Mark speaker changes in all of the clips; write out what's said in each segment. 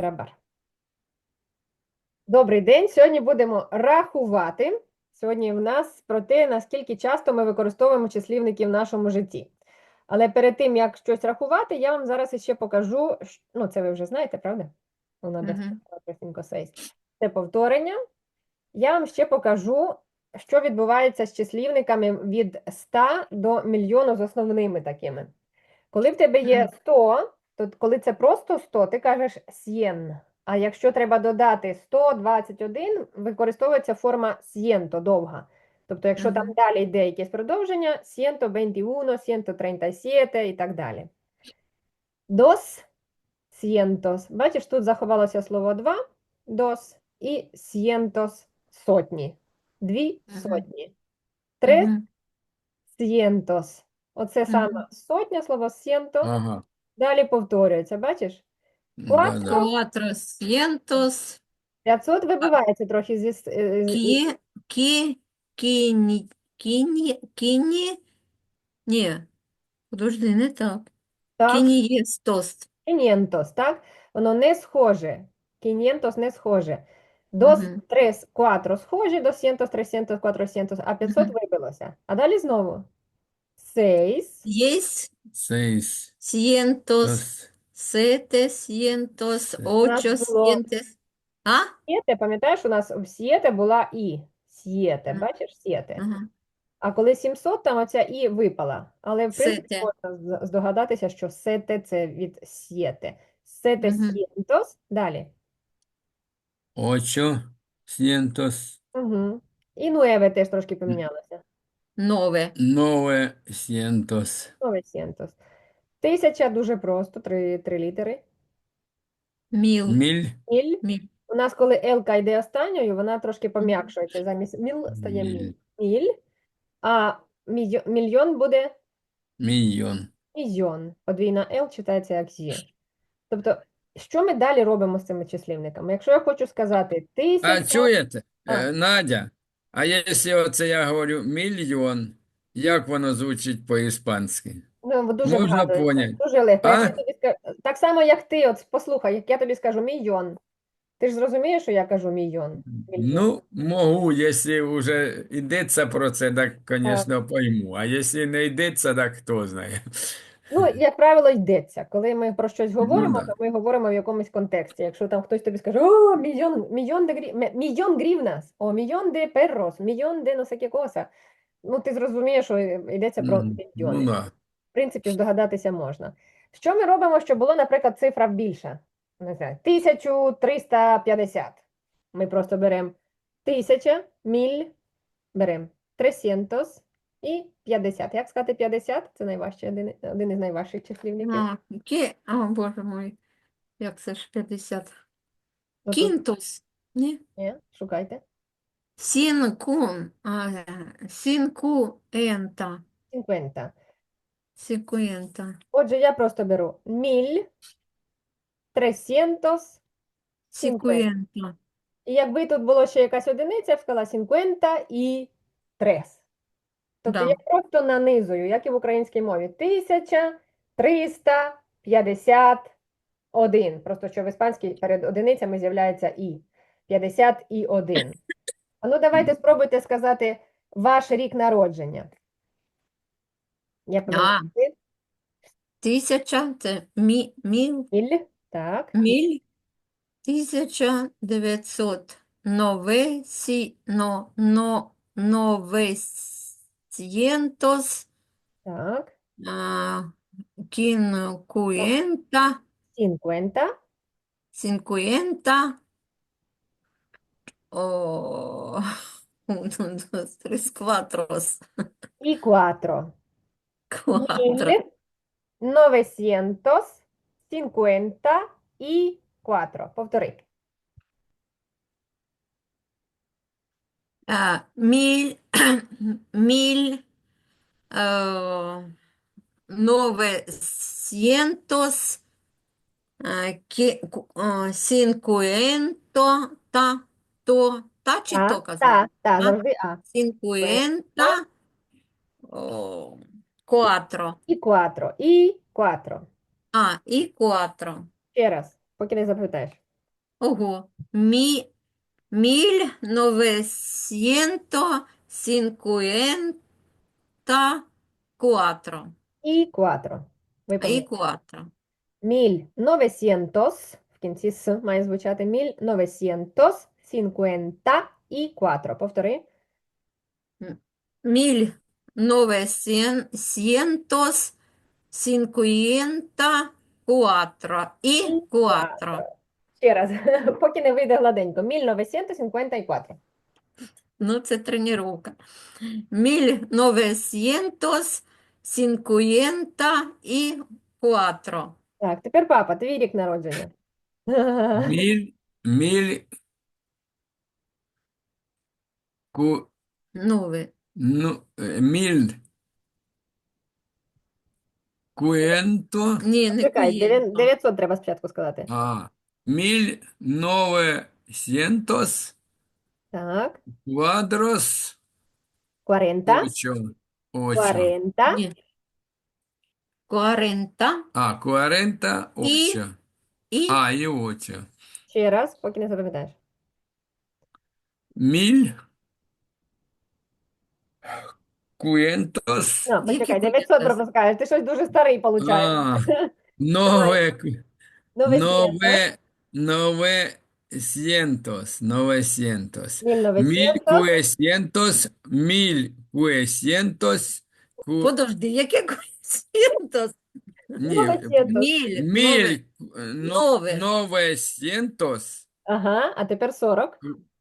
Speaker 1: Барабар. Добрий день. Сьогодні будемо рахувати. Сьогодні в нас про те, наскільки часто ми використовуємо числівники в нашому житті. Але перед тим, як щось рахувати, я вам зараз іще покажу, ну це ви вже знаєте, правда?
Speaker 2: Мгм.
Speaker 1: Це повторення. Я вам ще покажу, що відбувається з числівниками від 100 до мільйону з основними такими. Коли в тебе є
Speaker 2: Мгм.
Speaker 1: 100, то коли це просто 100, ти кажеш сien. А якщо треба додати 121, використовується форма siento, довга. Тобто, якщо там
Speaker 2: Мгм.
Speaker 1: далі йде якесь продовження, 121, 137 і так далі. Dos cientos. Бачиш, тут заховалося слово 2, dos, і cientos, сотні. Дві
Speaker 2: Мгм.
Speaker 1: сотні. Tres
Speaker 2: Мгм.
Speaker 1: cientos. Оце саме
Speaker 2: Мгм.
Speaker 1: сотня, слово ciento.
Speaker 3: Ага,
Speaker 1: Далі повторюється, бачиш?
Speaker 3: да-да.
Speaker 1: 4,
Speaker 2: Cuatrocientos
Speaker 1: 500
Speaker 2: а,
Speaker 1: вибивається трохи
Speaker 2: ки, ки, кіні, кіні, ні, подожди, не так.
Speaker 1: так,
Speaker 2: Кінієстос.
Speaker 1: 500, так? Воно не схоже. 500 не схоже. Dos,
Speaker 2: Мгм.
Speaker 1: tres, cuatro схожі, 200, 300, 400, а 500
Speaker 2: Мгм.
Speaker 1: вибилося. А далі знову. 6,
Speaker 2: Есть
Speaker 3: Seis,
Speaker 2: cientos,
Speaker 3: dos,
Speaker 2: setecientos,
Speaker 1: у нас було
Speaker 2: ochocientos. А?
Speaker 1: сієте, пам'ятаєш, у нас в сієте була і. Сієте,
Speaker 2: Мгм.
Speaker 1: бачиш, сієте.
Speaker 2: Ага.
Speaker 1: А коли 700, там оця і випала. Але, в принципі,
Speaker 2: Сете.
Speaker 1: можна здогадатися, що сете – це від сієте. Сете
Speaker 2: Мгм.
Speaker 1: сієнтос. Далі.
Speaker 3: ocho, cientos,
Speaker 1: Угу. І нуеве теж трошки помінялося.
Speaker 2: Нове.
Speaker 3: novecientos,
Speaker 1: Новесієнтос. 1000 дуже просто, три літери.
Speaker 2: Міл.
Speaker 3: mil,
Speaker 1: Міль.
Speaker 2: Міль.
Speaker 1: У нас, коли елка йде останньою, вона трошки пом'якшується. Замість міл стає міль.
Speaker 3: mil,
Speaker 1: Міль. А мільйон буде
Speaker 3: millón.
Speaker 1: мільйон. Подвійна Л читається як зі. Тобто, що ми далі робимо з цими числівниками? Якщо я хочу сказати
Speaker 3: А
Speaker 1: 1000,
Speaker 3: чуєте,
Speaker 1: а,
Speaker 3: Надя, а якщо оце я говорю мільйон, як воно звучить по-іспанськи?
Speaker 1: ну, дуже
Speaker 3: Можна
Speaker 1: вгадується,
Speaker 3: поняти?
Speaker 1: дуже легко. Як
Speaker 3: А?
Speaker 1: я тобі скажу, так само, як ти, от послухай, як я тобі скажу мільйон. Ти ж зрозумієш, що я кажу мільйон? Мільйон.
Speaker 3: Ну, можу, якщо вже йдеться про це, так,
Speaker 1: Так.
Speaker 3: звісно, пойму. А якщо не йдеться, так хто знає.
Speaker 1: Ну, як правило, йдеться. Коли ми про щось
Speaker 3: Ну,
Speaker 1: говоримо,
Speaker 3: да.
Speaker 1: то ми говоримо в якомусь контексті. Якщо там хтось тобі скаже, о, мільйон грівнас, о, мільйон де перрос, мільйон де носе коса. Ну, ти зрозумієш, що йдеться про
Speaker 3: Ну,
Speaker 1: мільйони.
Speaker 3: да.
Speaker 1: В принципі, здогадатися можна. Що ми робимо, щоб було, наприклад, цифра більша? Не знаю, 1350. Ми просто беремо 1000, міль, беремо 300 і 50. Як сказати 50? Це найважчий, один із найважчих числівників.
Speaker 2: Боже мой, як це ж 50?
Speaker 1: Отут,
Speaker 2: Кінтус. Ні?
Speaker 1: ні, шукайте.
Speaker 2: Сінкуента.
Speaker 1: 50.
Speaker 2: Сікуента.
Speaker 1: Отже, я просто беру 1350.
Speaker 2: Сікуента.
Speaker 1: І якби тут було ще якась одиниця, я б сказала 50 і 3. Тобто я
Speaker 2: Да.
Speaker 1: просто нанизую, як і в українській мові, 1351. Просто що в іспанській перед одиницями з'являється і. 51. А ну давайте спробуйте сказати ваш рік народження. Як ви
Speaker 2: А,
Speaker 1: говорите?
Speaker 2: тисяча, це
Speaker 1: Міль. Так,
Speaker 2: міль, 1900. Новесcientos,
Speaker 1: так.
Speaker 2: а, quincuenta,
Speaker 1: 50
Speaker 2: cincuenta, o, uno, dos, tres, cuatros,
Speaker 1: і 4.
Speaker 2: cuatro.
Speaker 1: 1954. Повтори.
Speaker 2: Mil, mil, eh, novecientos, cincuenta, та чи то казати? А?
Speaker 1: Завжди А.
Speaker 2: Cincuenta, cuatro.
Speaker 1: І 4. І 4.
Speaker 2: І cuatro.
Speaker 1: Ще раз, поки не запитаєш.
Speaker 2: Ого. Mil novecientos cincuenta cuatro.
Speaker 1: І 4. Ви
Speaker 2: І
Speaker 1: помітили.
Speaker 2: 4.
Speaker 1: 1900, в кінці «с» має звучати 1954. Повтори.
Speaker 2: 1954. І
Speaker 1: І
Speaker 2: 4.
Speaker 1: 4. Ще раз, поки не вийде гладенько. 1954.
Speaker 2: Ну, це тренування. 1954.
Speaker 1: Так, тепер папа, твій рік народження.
Speaker 3: Міль, міль, ку,
Speaker 2: Нове.
Speaker 3: ну, міль, куенто,
Speaker 2: Ні, не
Speaker 1: Чекай,
Speaker 2: куєнто.
Speaker 1: 900 треба спочатку сказати.
Speaker 3: міль, новесьєнтос,
Speaker 1: Так,
Speaker 3: квадрос,
Speaker 1: 40.
Speaker 3: очо, очо.
Speaker 1: 40.
Speaker 2: Ні. 40
Speaker 3: 40,
Speaker 2: і,
Speaker 3: очо.
Speaker 2: і
Speaker 3: І очо.
Speaker 1: Ще раз, поки не запам'ятаєш.
Speaker 3: Міль, куєнтос,
Speaker 1: Ну,
Speaker 2: які
Speaker 1: почекай, 900
Speaker 2: куєнтос?
Speaker 1: пропускаєш. Ти щось дуже старий, виходить.
Speaker 3: а,
Speaker 1: Давай,
Speaker 3: нове,
Speaker 1: 900.
Speaker 3: Nove, 900, 900,
Speaker 1: 1900.
Speaker 3: 1900, 1900,
Speaker 2: Подожди, яке куєнтос?
Speaker 3: ні,
Speaker 1: 900.
Speaker 2: Нове,
Speaker 3: 900,
Speaker 1: Ага, а тепер 40.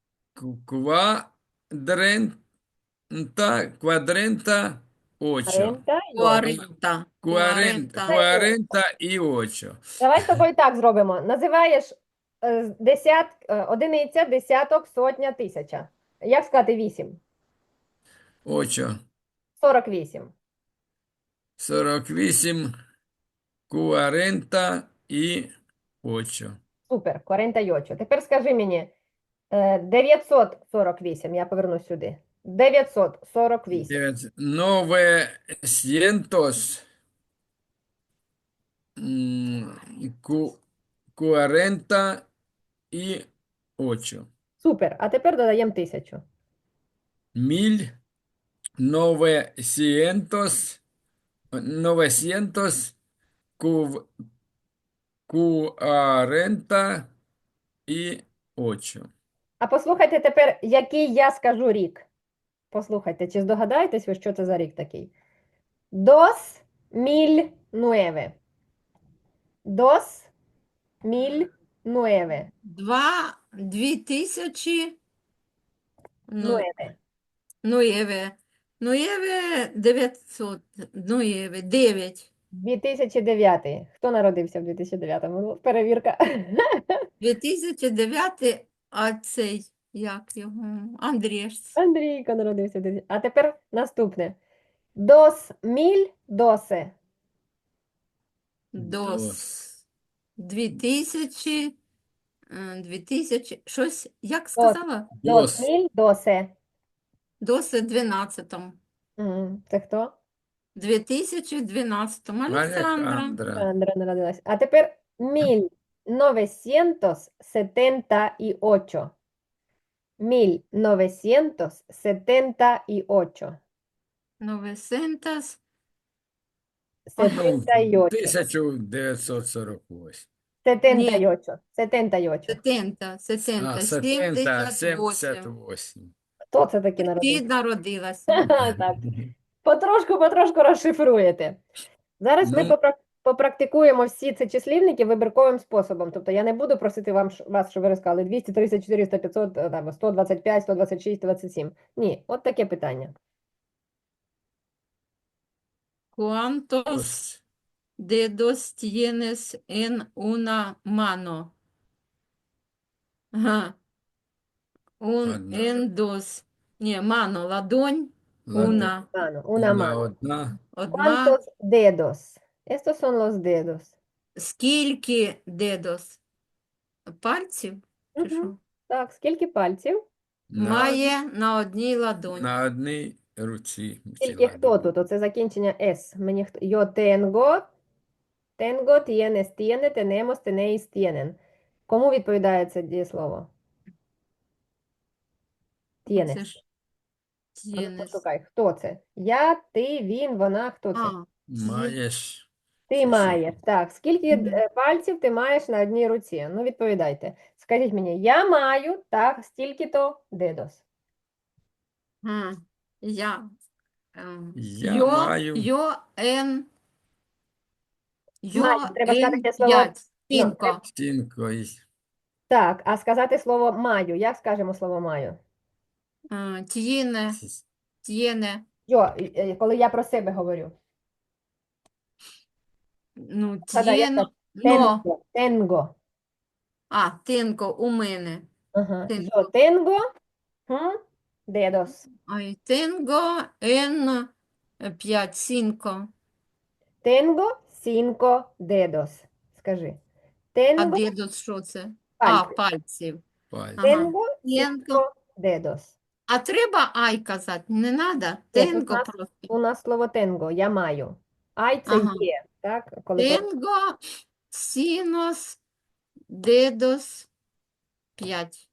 Speaker 3: квадрента, 8.
Speaker 1: 48.
Speaker 2: 40.
Speaker 3: 48.
Speaker 1: Давай з тобою так зробимо. Називаєш одиниця, десяток, сотня, тисяча. Як сказати 8?
Speaker 3: 8.
Speaker 1: 48.
Speaker 3: 48, 48.
Speaker 1: Супер, 48. Тепер скажи мені 948. Я повернусь сюди. 948.
Speaker 3: 900, 48.
Speaker 1: Супер. А тепер додаємо 1000.
Speaker 3: 1900, 900, 48.
Speaker 1: А послухайте тепер, який я скажу рік. Послухайте, чи здогадаєтесь ви, що це за рік такий? Dos mil nueve. Dos mil nueve.
Speaker 2: 2000. Ну,
Speaker 1: Nueve.
Speaker 2: Ноєве. Ноєве 900. Ноєве 9.
Speaker 1: 2009. Хто народився в 2009-му? Ну, перевірка.
Speaker 2: 2009, а цей, як його? Андрєш.
Speaker 1: Андрійко народився в 2000. А тепер наступне. Dos mil doce.
Speaker 2: Дос. 2000. 2000. Щось, як
Speaker 1: Dos,
Speaker 2: сказала?
Speaker 1: dos mil doce.
Speaker 2: Доси 12.
Speaker 1: Це хто?
Speaker 2: 2012. Олександра.
Speaker 3: Александра.
Speaker 1: Сандра народилась. А тепер 1978. 1978.
Speaker 2: Новесентас.
Speaker 1: 78.
Speaker 3: 1948.
Speaker 1: 78. 78.
Speaker 2: Сетента. Сетента.
Speaker 3: 70,
Speaker 2: 78.
Speaker 3: 78.
Speaker 1: Хто це таки
Speaker 2: Ти
Speaker 1: народився?
Speaker 2: народилася.
Speaker 1: Так. Потрошку розшифруєте. Зараз ми
Speaker 3: Ну,
Speaker 1: попрактикуємо всі ці числівники вибірковим способом. Тобто я не буду просити вас, щоб ви розказали 200, 300, 400, 500, там, 125, 126, 127. Ні, от таке питання.
Speaker 2: ¿Cuántos
Speaker 3: ось.
Speaker 2: dedos tienes en una mano? Ага.
Speaker 3: Одна.
Speaker 2: En dos. Ні, mano, ладонь.
Speaker 3: Ладонь.
Speaker 2: Una.
Speaker 1: Una mano.
Speaker 3: Одна.
Speaker 2: Одна.
Speaker 1: ¿Cuántos dedos? Estos son los dedos.
Speaker 2: Скільки dedos? Пальців? Чи
Speaker 1: Мгм.
Speaker 2: що?
Speaker 1: Так, скільки пальців?
Speaker 2: Має на одній ладоні.
Speaker 3: На одній руці.
Speaker 1: Тільки хто тут? Оце закінчення S. Мені хто? Yo tengo, tienes, tiene, tenemos, tenéis, tienen. Кому відповідає це дієслово?
Speaker 2: Це
Speaker 1: Tienes.
Speaker 2: ж
Speaker 1: А ну,
Speaker 2: тєнес.
Speaker 1: пошукай, хто це? Я, ти, він, вона, хто це?
Speaker 2: А,
Speaker 3: Маєш.
Speaker 1: Ти
Speaker 3: Це що?
Speaker 1: маєш. Так, скільки
Speaker 2: Мгм.
Speaker 1: пальців ти маєш на одній руці? Ну, відповідайте. Скажіть мені, я маю, так, стільки-то дедос.
Speaker 2: я.
Speaker 3: Я маю
Speaker 1: Маю, треба сказати це слово.
Speaker 2: 5.
Speaker 1: Ну,
Speaker 2: Cinco.
Speaker 3: стінко.
Speaker 1: так, а сказати слово маю. Як скажемо слово маю?
Speaker 2: Tiene. Tiene.
Speaker 1: Коли я про себе говорю.
Speaker 2: Ну,
Speaker 1: Згадай, як
Speaker 2: tiene.
Speaker 1: так?
Speaker 2: Но.
Speaker 1: Tengo.
Speaker 2: Tengo у мене.
Speaker 1: Ага.
Speaker 2: Ten-
Speaker 1: Yo tengo dedos.
Speaker 2: Ай, tengo en 5. Cinco.
Speaker 1: Tengo 5 dedos. Скажи.
Speaker 2: А
Speaker 1: Tengo
Speaker 2: дедус що це?
Speaker 1: пальці.
Speaker 2: Пальців.
Speaker 3: Пальці.
Speaker 2: Ага.
Speaker 1: Tengo
Speaker 2: Tengo.
Speaker 1: 5 dedos.
Speaker 2: А треба ай казати? Не треба?
Speaker 1: Ні, тут
Speaker 2: Tengo просто.
Speaker 1: у нас слово tengo, я маю. Ай це
Speaker 2: Ага.
Speaker 1: є, так? Коли
Speaker 2: Tengo синус дедус 5.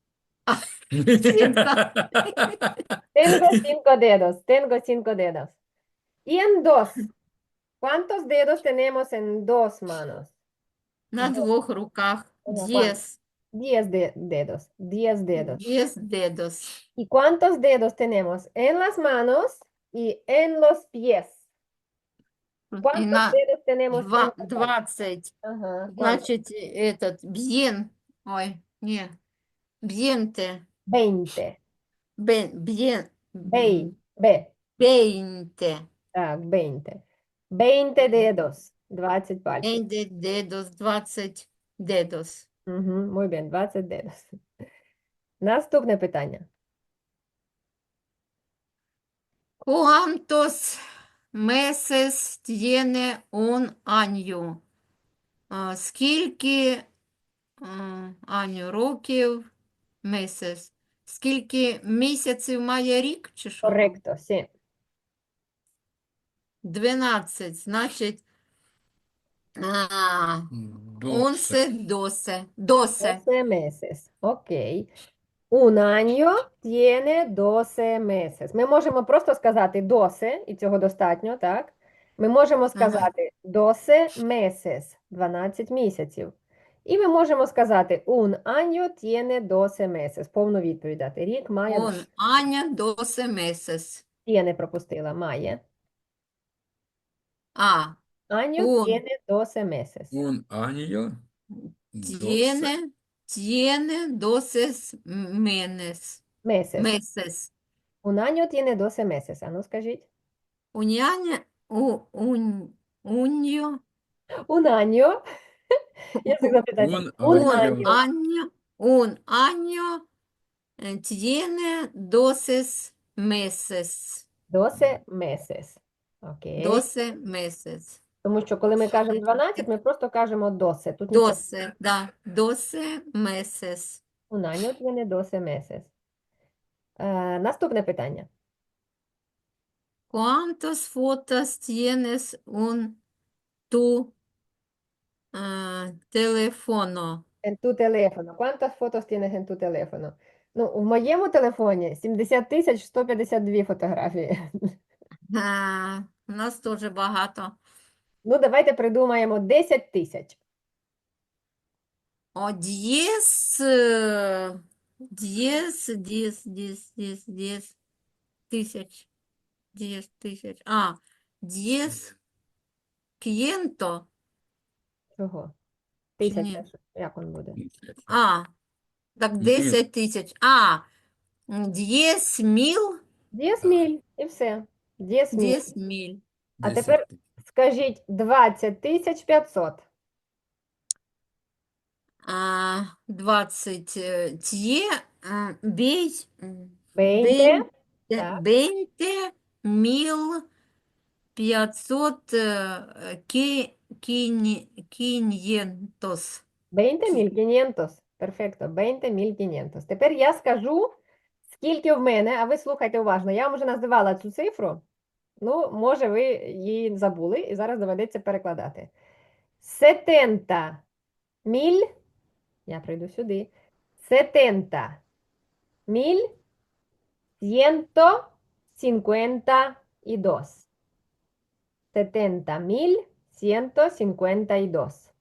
Speaker 1: Tengo 5 dedos. Tengo 5 dedos. Y en dos. ¿Cuántos dedos tenemos en dos manos?
Speaker 2: На двох руках.
Speaker 1: Ага,
Speaker 2: 10.
Speaker 1: 10 dedos. 10 dedos.
Speaker 2: 10 дедус.
Speaker 1: ¿Y cuántos dedos tenemos en las manos y en los pies?
Speaker 2: І
Speaker 1: ¿Cuántos
Speaker 2: на
Speaker 1: dedos tenemos en las manos?
Speaker 2: 20.
Speaker 1: Ага, ¿cuántos?
Speaker 2: Значить, этот, bien. Ой, не. Biente.
Speaker 1: 20.
Speaker 2: Bien.
Speaker 1: B. B.
Speaker 2: 20.
Speaker 1: Так, 20. 20 dedos. 20 пальців.
Speaker 2: 20 дедус, 20 дедус.
Speaker 1: Угу, muy bien, 20 dedos. Наступне питання.
Speaker 2: ¿Cuántos meses tiene un año? Скільки año, років, месяц? Скільки місяців має рік, чи що?
Speaker 1: Correcto, sí.
Speaker 2: 12, значить, 11, 12. 12.
Speaker 1: 12 meses. Ok. Un año tiene 12 meses. Ми можемо просто сказати 12, і цього достатньо, так? Ми можемо сказати 12 meses, 12 місяців. І ми можемо сказати un año tiene 12 meses. Повну відповідь дати. Рік має,
Speaker 2: Un año, 12 meses.
Speaker 1: tiene пропустила, має.
Speaker 2: А,
Speaker 1: Año
Speaker 2: Un.
Speaker 1: tiene 12 meses.
Speaker 3: Un año.
Speaker 2: tiene 12 meses.
Speaker 1: Meses.
Speaker 2: Meses.
Speaker 1: Un año tiene 12 meses. А ну скажіть.
Speaker 2: Уняня, уньо,
Speaker 1: Un año. Я завжди питаю.
Speaker 3: Un
Speaker 1: Un
Speaker 3: año.
Speaker 1: año.
Speaker 2: un año tiene 12 meses.
Speaker 1: 12 meses. Окей.
Speaker 2: 12 meses.
Speaker 1: Тому що коли ми кажемо 12, ми просто кажемо 12. Тут нічого.
Speaker 2: 12, да, 12 meses.
Speaker 1: Un año tiene 12 meses. Наступне питання.
Speaker 2: ¿Cuántas fotos tienes tu teléfono?
Speaker 1: En tu teléfono. ¿Cuántas fotos tienes en tu teléfono? Ну, в моєму телефоні 70 152 фотографії.
Speaker 2: У нас теж багато.
Speaker 1: Ну, давайте придумаємо 10 тисяч.
Speaker 2: О, 10 тисяч. 10 тисяч. 10 к'єнто.
Speaker 1: Чого?
Speaker 2: Чи
Speaker 1: Тисяча.
Speaker 2: ні?
Speaker 1: Як він буде?
Speaker 2: Так 10 тисяч. 10 мil.
Speaker 1: 10 міль. І все. 10 міль.
Speaker 2: 10 миль.
Speaker 1: А тепер скажіть 20 500.
Speaker 2: 20 тє, бей,
Speaker 1: 20. Так.
Speaker 2: 20 мил 500 500.
Speaker 1: 20.500. Перфекто. 20.500. Тепер я скажу, скільки в мене, а ви слухайте уважно. Я вам вже називала цю цифру. Ну, може, ви її забули, і зараз доведеться перекладати. 70 міль. Я прийду сюди. 70.152. 70.152.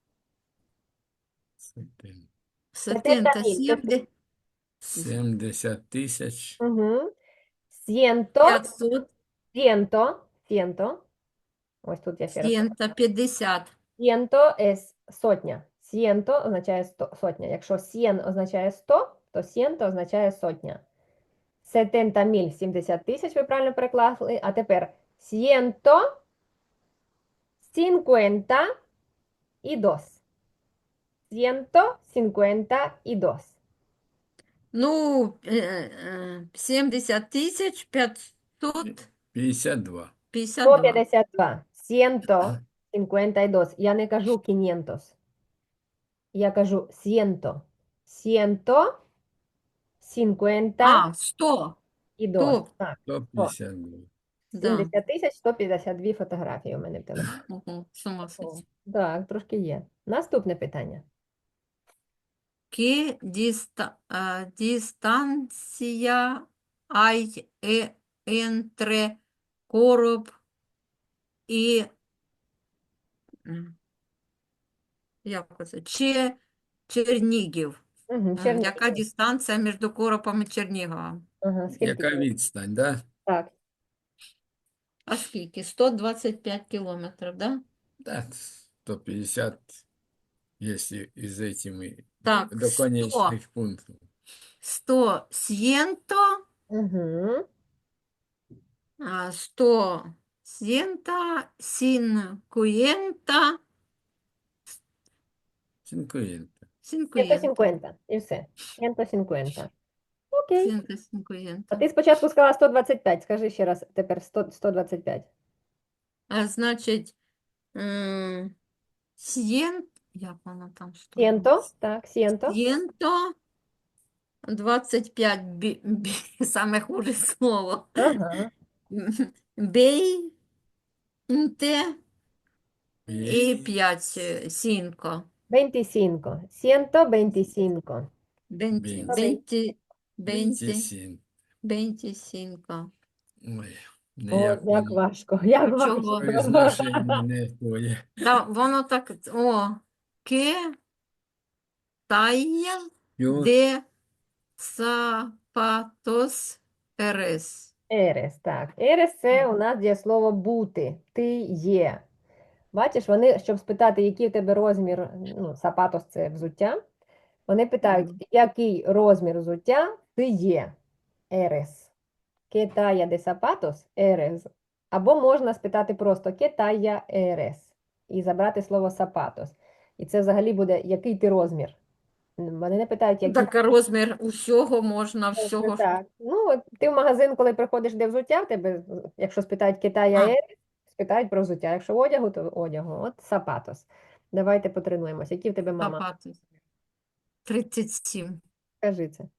Speaker 2: Сетента
Speaker 1: 70.000.
Speaker 3: 70 тисяч.
Speaker 1: Угу. 100,
Speaker 2: 500,
Speaker 1: 100. Ось тут я ще раз.
Speaker 2: 150.
Speaker 1: 100 es сотня. 100 означає сотня. Якщо 100 означає 100, то 100 означає сотня. 70.000 – 70 тисяч, ви правильно переклали. А тепер 152. 152.
Speaker 2: Ну, 70 тисяч 552.
Speaker 3: 52.
Speaker 1: 152. 152. Я не кажу 500. Я кажу 100. 152.
Speaker 2: 100. 100.
Speaker 1: Так,
Speaker 3: 152.
Speaker 2: Да.
Speaker 1: 70 152 фотографії у мене в телефоні.
Speaker 2: Ого, з ума сойти.
Speaker 1: Так, трошки є. Наступне питання.
Speaker 2: Che distanza hai entre короб і як це? Чернігів.
Speaker 1: Угу,
Speaker 2: Яка дистанція між Коропом і Черніговом?
Speaker 1: Ага, скільки?
Speaker 3: Яка відстань, да?
Speaker 1: Так,
Speaker 2: А скільки? 125 кілометрів, да?
Speaker 3: Да, 150, если из этими
Speaker 2: Так,
Speaker 3: до конечных пунктов.
Speaker 2: 100 сієнто,
Speaker 1: угу.
Speaker 2: 100 сієнта, сінкуєнта,
Speaker 3: 50.
Speaker 2: сінкуєнта.
Speaker 1: 150. І все. 150. Окей.
Speaker 2: Сінка,
Speaker 1: А
Speaker 2: сінкуєнта.
Speaker 1: ти спочатку сказала 125. Скажи ще раз, тепер 125.
Speaker 2: Значить, як воно там? Що?
Speaker 1: Сієнто, так, сієнто.
Speaker 2: Сієнто 25, саме хуже слово.
Speaker 1: Ага.
Speaker 2: Бейнте
Speaker 3: І
Speaker 2: і 5, сінко.
Speaker 1: 25. 125.
Speaker 2: 20,
Speaker 3: 27.
Speaker 2: 25.
Speaker 3: Ой,
Speaker 1: О,
Speaker 3: ніяк
Speaker 1: як
Speaker 3: воно
Speaker 1: важко, як важко.
Speaker 2: Чого?
Speaker 3: произношення не твоє.
Speaker 2: Та воно так, ке тая
Speaker 3: Ю,
Speaker 2: де сапатос ерес.
Speaker 1: Ерес, так. Ерес це у нас дієслово бути. Ти є. Бачиш, вони, щоб спитати, який у тебе розмір, ну, сапатос це взуття, вони питають, який розмір взуття ти є. Ерес. ¿Qué talla de zapatos eres? Або можна спитати просто ¿Qué talla eres? І забрати слово zapatos. І це взагалі буде, який ти розмір. Вони не питають, який
Speaker 2: Так розмір усього можна,
Speaker 1: розмір.
Speaker 2: всього.
Speaker 1: Так. Ну, от ти в магазин, коли приходиш, де взуття, в тебе, якщо спитають ¿Qué talla
Speaker 2: А.
Speaker 1: eres? Спитають про взуття. Якщо одягу, то одягу. От zapatos. Давайте потренуємося. Які в тебе мама?
Speaker 2: Сапатос. 37.
Speaker 1: Скажи це.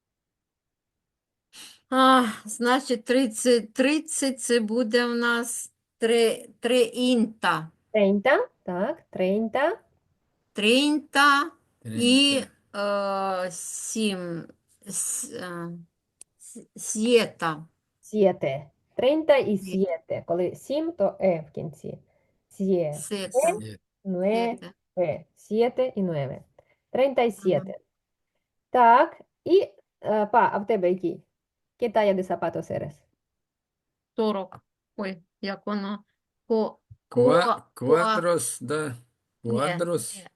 Speaker 2: Значить, 30 це буде у нас 30.
Speaker 1: 30, так, 30,
Speaker 2: 30 і
Speaker 3: 30.
Speaker 2: 7. Сєта.
Speaker 1: 7. 30 і 7. Коли 7, то в кінці. 7,
Speaker 2: Сета.
Speaker 1: 9,
Speaker 2: Сета.
Speaker 1: 7 і 9. 37. Так, і, а в тебе який? ¿Qué talla de zapatos eres?
Speaker 2: 40. Ой, як воно?
Speaker 3: Квадрос, да?
Speaker 2: Ні,
Speaker 3: Квадрос,
Speaker 2: ні.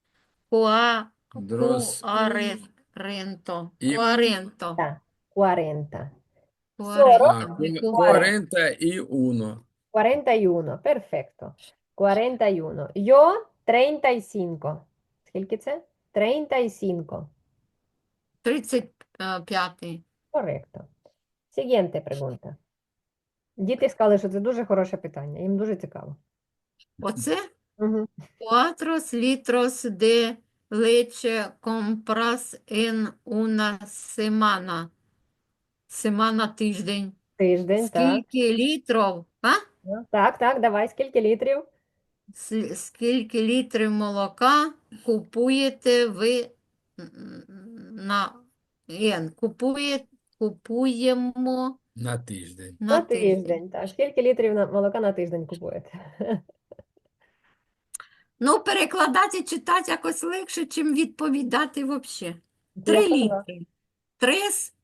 Speaker 3: дрос
Speaker 2: Куаренто.
Speaker 3: і
Speaker 2: Куаренто.
Speaker 1: Так, 40.
Speaker 2: Куаренто.
Speaker 3: 40 і 1.
Speaker 1: 41, perfetto. 41. Yo 35. Скільки це? 35.
Speaker 2: 35.
Speaker 1: Correcto. Siguiente pregunta. Діти сказали, що це дуже хороше питання. Їм дуже цікаво.
Speaker 2: Оце?
Speaker 1: Угу.
Speaker 2: 4 litros de leche compras en una semana. Семана тиждень.
Speaker 1: Тиждень, так.
Speaker 2: Скільки літрів?
Speaker 1: Так, так, давай, скільки літрів?
Speaker 2: Скільки літрів молока купуєте ви на купуємо
Speaker 3: На тиждень.
Speaker 2: на
Speaker 1: На
Speaker 2: тиждень?
Speaker 1: тиждень, так. Скільки літрів молока на тиждень купуєте?
Speaker 2: Ну, перекладати і читати якось легше, чим відповідати взагалі.
Speaker 1: Я
Speaker 2: 3
Speaker 1: поняла.
Speaker 2: літри. 3,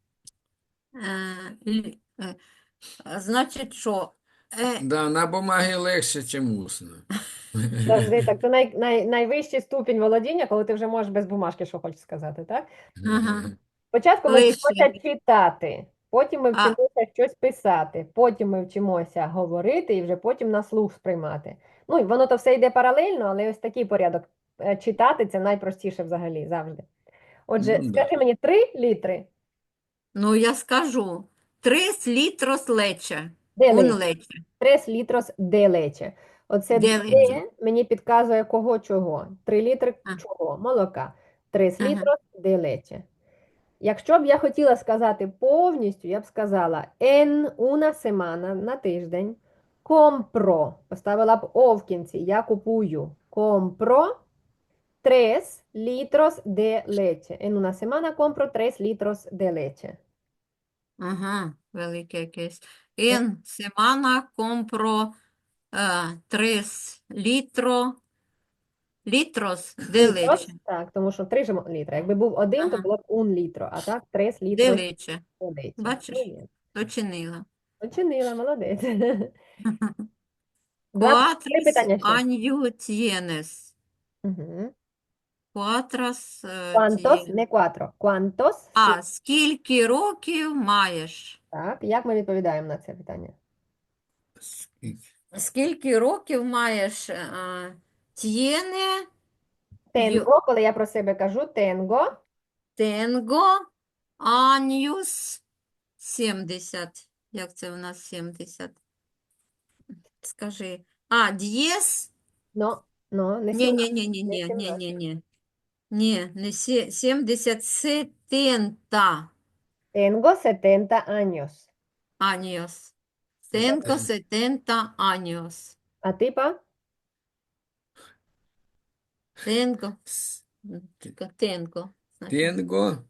Speaker 2: значить, що?
Speaker 3: Да, на бумагі легше, чим усно.
Speaker 1: Завжди так. Це найвищий ступінь володіння, коли ти вже можеш без бумажки, що хочеш сказати, так?
Speaker 2: Ага.
Speaker 1: Спочатку ми
Speaker 2: Лише.
Speaker 1: вчимося читати, потім ми
Speaker 2: А,
Speaker 1: вчимося щось писати, потім ми вчимося говорити і вже потім на слух сприймати. Ну, і воно то все йде паралельно, але ось такий порядок. Читати це найпростіше взагалі завжди. Отже,
Speaker 3: Ну, да.
Speaker 1: скажи мені 3 літри.
Speaker 2: ну, я скажу. 3 літрос лече.
Speaker 1: Де
Speaker 2: Un
Speaker 1: лече?
Speaker 2: лече.
Speaker 1: 3 літрос де лече. Оце
Speaker 2: Де
Speaker 1: де
Speaker 2: лече.
Speaker 1: мені підказує кого чого. 3 літри
Speaker 2: А.
Speaker 1: чого? Молока. 3
Speaker 2: Ага.
Speaker 1: літрос де лече. Якщо б я хотіла сказати повністю, я б сказала en una semana на тиждень. Compro. Поставила б о в кінці. Я купую. Compro 3 litros de leche. En una semana compro 3 litros de leche.
Speaker 2: Ага, велике якесь. En semana compro 3 litros de
Speaker 1: Літрос,
Speaker 2: leche.
Speaker 1: так, тому що 3 літра. Якби був один, то
Speaker 2: Ага,
Speaker 1: було б un літро, а так 3
Speaker 2: de
Speaker 1: літрос
Speaker 2: leche.
Speaker 1: de leche.
Speaker 2: Бачиш,
Speaker 1: Muy bien.
Speaker 2: дочинила.
Speaker 1: Очинила, молодець. Три
Speaker 2: Cuatros
Speaker 1: питання ще.
Speaker 2: años tienes.
Speaker 1: Угу.
Speaker 2: Cuatros
Speaker 1: Quantos,
Speaker 2: tienes.
Speaker 1: не quattro. Quantos,
Speaker 2: А скільки років маєш?
Speaker 1: так, як ми відповідаємо на це питання?
Speaker 3: Скільки?
Speaker 2: Скільки років маєш? Tiene,
Speaker 1: Tengo, коли я про себе кажу, tengo,
Speaker 2: tengo años 70. Як це у нас 70? Скажи. 10?
Speaker 1: no, не
Speaker 2: Ні,
Speaker 1: 17,
Speaker 2: ні, ні, ні,
Speaker 1: не
Speaker 2: ні, ні,
Speaker 1: 17.
Speaker 2: ні, ні. Ні, не 70, 70
Speaker 1: Tengo 70 años.
Speaker 2: años. Tengo 70 años.
Speaker 1: А ти, па?
Speaker 2: Tengo.
Speaker 3: С-
Speaker 2: Tengo. значить.
Speaker 3: Tengo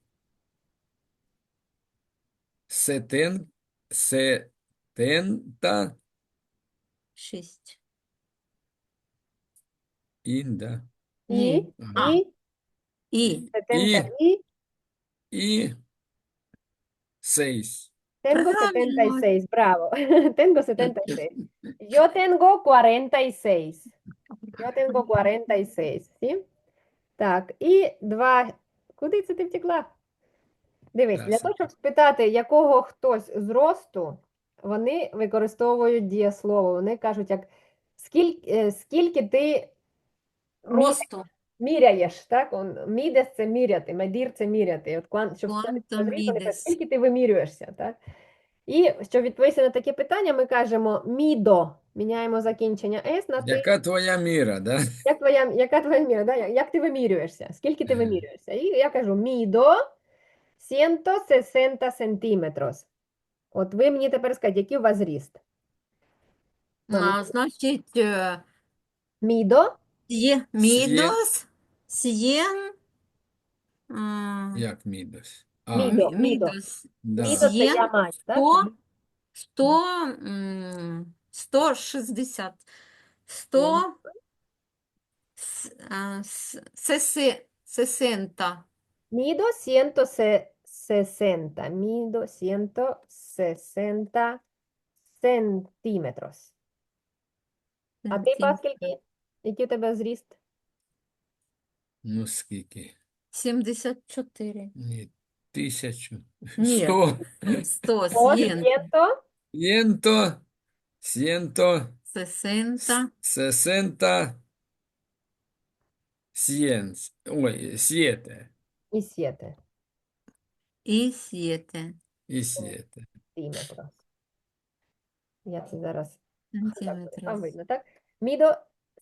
Speaker 3: setenta
Speaker 2: 6.
Speaker 3: inda
Speaker 2: Ні.
Speaker 1: І,
Speaker 2: І.
Speaker 1: 70
Speaker 3: і
Speaker 1: і,
Speaker 3: y 6.
Speaker 1: tengo
Speaker 2: Правильно.
Speaker 1: 76, bravo. Tengo 76. Yo tengo 46. Yo tengo 46, ¿sí? Так, і 2. Куди це ти втекла? Дивись, для того, щоб спитати, якого хтось зросту, вони використовують дієслово. Вони кажуть, як скільки ти
Speaker 2: Росту.
Speaker 1: міряєш, так? Мідес це міряти, медір це міряти. От, щоб сказати,
Speaker 2: Quanto
Speaker 1: що зріст, вони кажуть,
Speaker 2: mides?
Speaker 1: скільки ти вимірюєшся, так? І щоб відповісти на таке питання, ми кажемо мідо. Міняємо закінчення «с» на «ти».
Speaker 3: Яка твоя міра, да?
Speaker 1: Яка твоя міра, да? Як ти вимірюєшся? Скільки ти вимірюєшся? І я кажу мідо 160 сантиметрос. От ви мені тепер скажіть, який у вас зріст?
Speaker 2: Значить,
Speaker 1: Мідо
Speaker 2: мідос, сien,
Speaker 3: Як мідос?
Speaker 1: Мідо, мідо.
Speaker 2: мідос,
Speaker 3: Да.
Speaker 1: Мідо це я
Speaker 2: сien,
Speaker 1: маю, так?
Speaker 2: 160. 100, 60.
Speaker 1: Мідо 160. Мідо 160 сантиметрос. А ти, па, скільки? Який у тебе зріст?
Speaker 3: Ну скільки?
Speaker 2: 74.
Speaker 3: Ні, 1000.
Speaker 2: Ні.
Speaker 3: 100.
Speaker 2: 100,
Speaker 1: О,
Speaker 2: 100,
Speaker 3: 100. 100.
Speaker 2: 60.
Speaker 3: 60. 100. Ой, 7.
Speaker 1: і 7
Speaker 2: І 7
Speaker 3: І 7.
Speaker 1: сантиметрос. Я це зараз там
Speaker 2: сантиметрів.
Speaker 1: видно, так? Мідо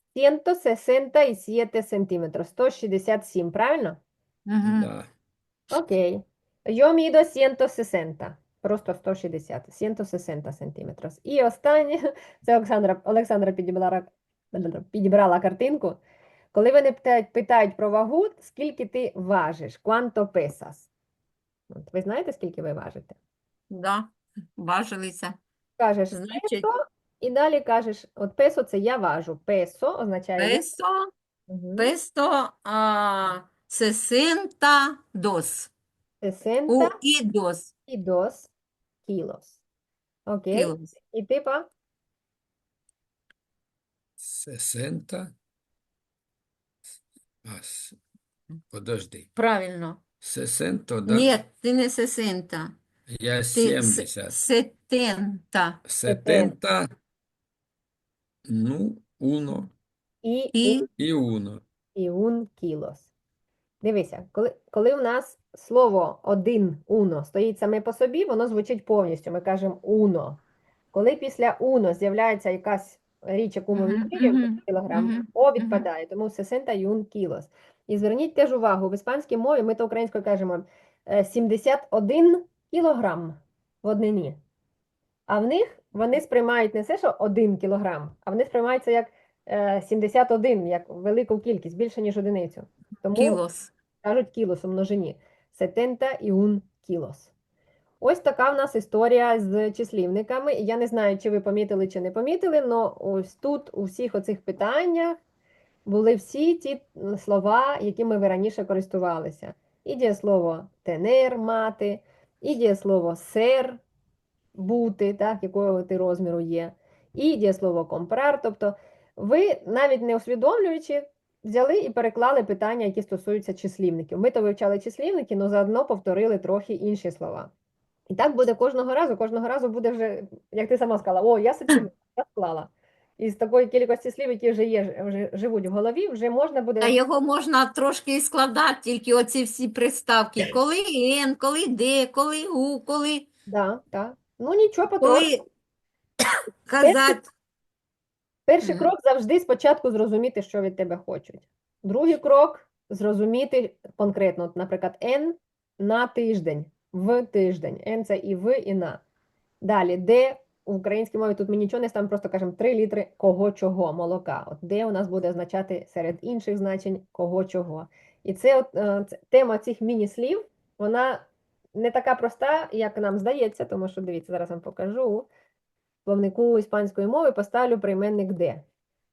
Speaker 1: 167 сантиметрів, 167, правильно?
Speaker 2: Угу.
Speaker 3: Да.
Speaker 1: Окей. Yo mido 160, просто 160, 160 сантиметрів. І останнє, це Олександра підібрала підібрала картинку. Коли вони питають про вагу, скільки ти важиш? Quanto pesas? От, ви знаєте, скільки ви важите?
Speaker 2: Да, важилися.
Speaker 1: Кажеш
Speaker 2: Значить,
Speaker 1: песо, і далі кажеш, от песо це я важу. Песо означає я.
Speaker 2: песо,
Speaker 1: Мгм.
Speaker 2: песо, 62
Speaker 1: 60
Speaker 2: dos
Speaker 1: і dos kilos. Окей?
Speaker 2: кілос.
Speaker 1: І типа
Speaker 3: 60. Подожди.
Speaker 2: Правильно.
Speaker 3: 60, да?
Speaker 2: Ні, ти не 60.
Speaker 3: Я
Speaker 2: Ти
Speaker 3: 70.
Speaker 2: 70.
Speaker 3: 70, ну, uno
Speaker 1: і
Speaker 2: І
Speaker 3: і uno.
Speaker 1: і un kilos. Дивися, коли у нас слово один уно стоїть саме по собі, воно звучить повністю. Ми кажемо уно. Коли після уно з'являється якась річ, яку ми
Speaker 2: Мгм,
Speaker 1: вимірюємо,
Speaker 2: мгм,
Speaker 1: кілограм,
Speaker 2: мгм,
Speaker 1: о
Speaker 2: мгм.
Speaker 1: відпадає, тому 61 кілос. І зверніть теж увагу, в іспанській мові ми то українською кажемо 71 кілограм в однині. А в них вони сприймають не те, що 1 кілограм, а вони сприймають це як 71, як велику кількість, більше, ніж одиницю. Тому
Speaker 2: Кілос.
Speaker 1: кажуть кілос у множині. 71 кілос. Ось така в нас історія з числівниками. Я не знаю, чи ви помітили, чи не помітили, але ось тут у всіх оцих питаннях були всі ті слова, якими ви раніше користувалися. І дієслово тенер, мати, і дієслово сер, бути, так, якого ти розміру є, і дієслово компрар. Тобто ви, навіть не усвідомлюючи, взяли і переклали питання, які стосуються числівників. Ми то вивчали числівники, але заодно повторили трохи інші слова. І так буде кожного разу буде вже, як ти сама сказала, о, я собі я склала. І з такої кількості слів, які вже є, вже живуть в голові, вже можна
Speaker 2: Та
Speaker 1: буде.
Speaker 2: його можна трошки і складати, тільки оці всі приставки. Коли «н», коли «де», коли «у», коли,
Speaker 1: Да, так. Ну нічого, потроху.
Speaker 2: коли казати.
Speaker 1: Перший
Speaker 2: Мгм.
Speaker 1: крок завжди спочатку зрозуміти, що від тебе хочуть. Другий крок зрозуміти конкретно, от, наприклад, N на тиждень, в тиждень. N це і в, і на. Далі, де в українській мові тут ми нічого не ставимо, просто кажемо 3 літри кого чого молока. От де у нас буде означати серед інших значень кого чого. І це тема цих міні-слів, вона не така проста, як нам здається, тому що дивіться, зараз вам покажу. В словнику іспанської мови поставлю прийменник де.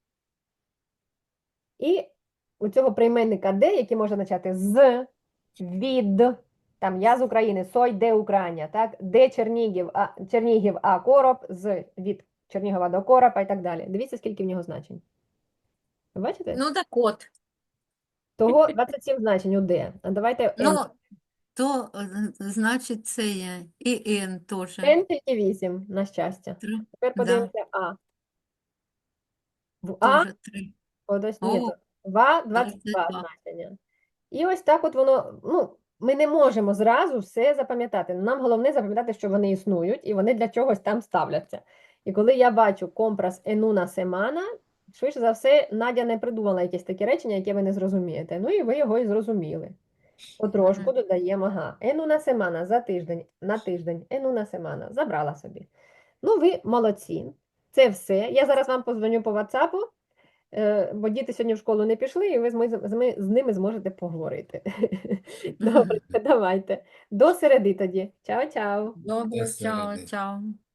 Speaker 1: І у цього прийменника де, який може означати з, від, там я з України, сой де Україна, так? Де Чернігів, а короб, від Чернігова до Коропа і так далі. Дивіться, скільки в нього значень. Ви бачите?
Speaker 2: Ну, так от.
Speaker 1: Того 27 значень у де. А давайте N.
Speaker 2: Ну, то, значить, це є. І «н» теж.
Speaker 1: N тільки 8, на щастя. Тепер
Speaker 2: Да,
Speaker 1: подивимося А. В А,
Speaker 2: теж 3.
Speaker 1: ось, ні,
Speaker 2: О,
Speaker 1: в А 22
Speaker 2: 22.
Speaker 1: значення. І ось так от воно, ну, ми не можемо зразу все запам'ятати. Нам головне запам'ятати, що вони існують, і вони для чогось там ставляться. І коли я бачу компрас енуна семана, швидше за все, Надя не придумала якесь таке речення, яке ви не зрозумієте. Ну і ви його і зрозуміли. Потрошку
Speaker 2: Мгм.
Speaker 1: додаємо, ага, енуна семана за тиждень, на тиждень, енуна семана, забрала собі. Ну, ви молодці. Це все. Я зараз вам позвоню по WhatsApp, бо діти сьогодні в школу не пішли, і ви з ними зможете поговорити. Добре, давайте. До середи тоді. Чао-чао.
Speaker 2: Добре,
Speaker 3: До
Speaker 2: чао,
Speaker 3: середи.
Speaker 2: чао.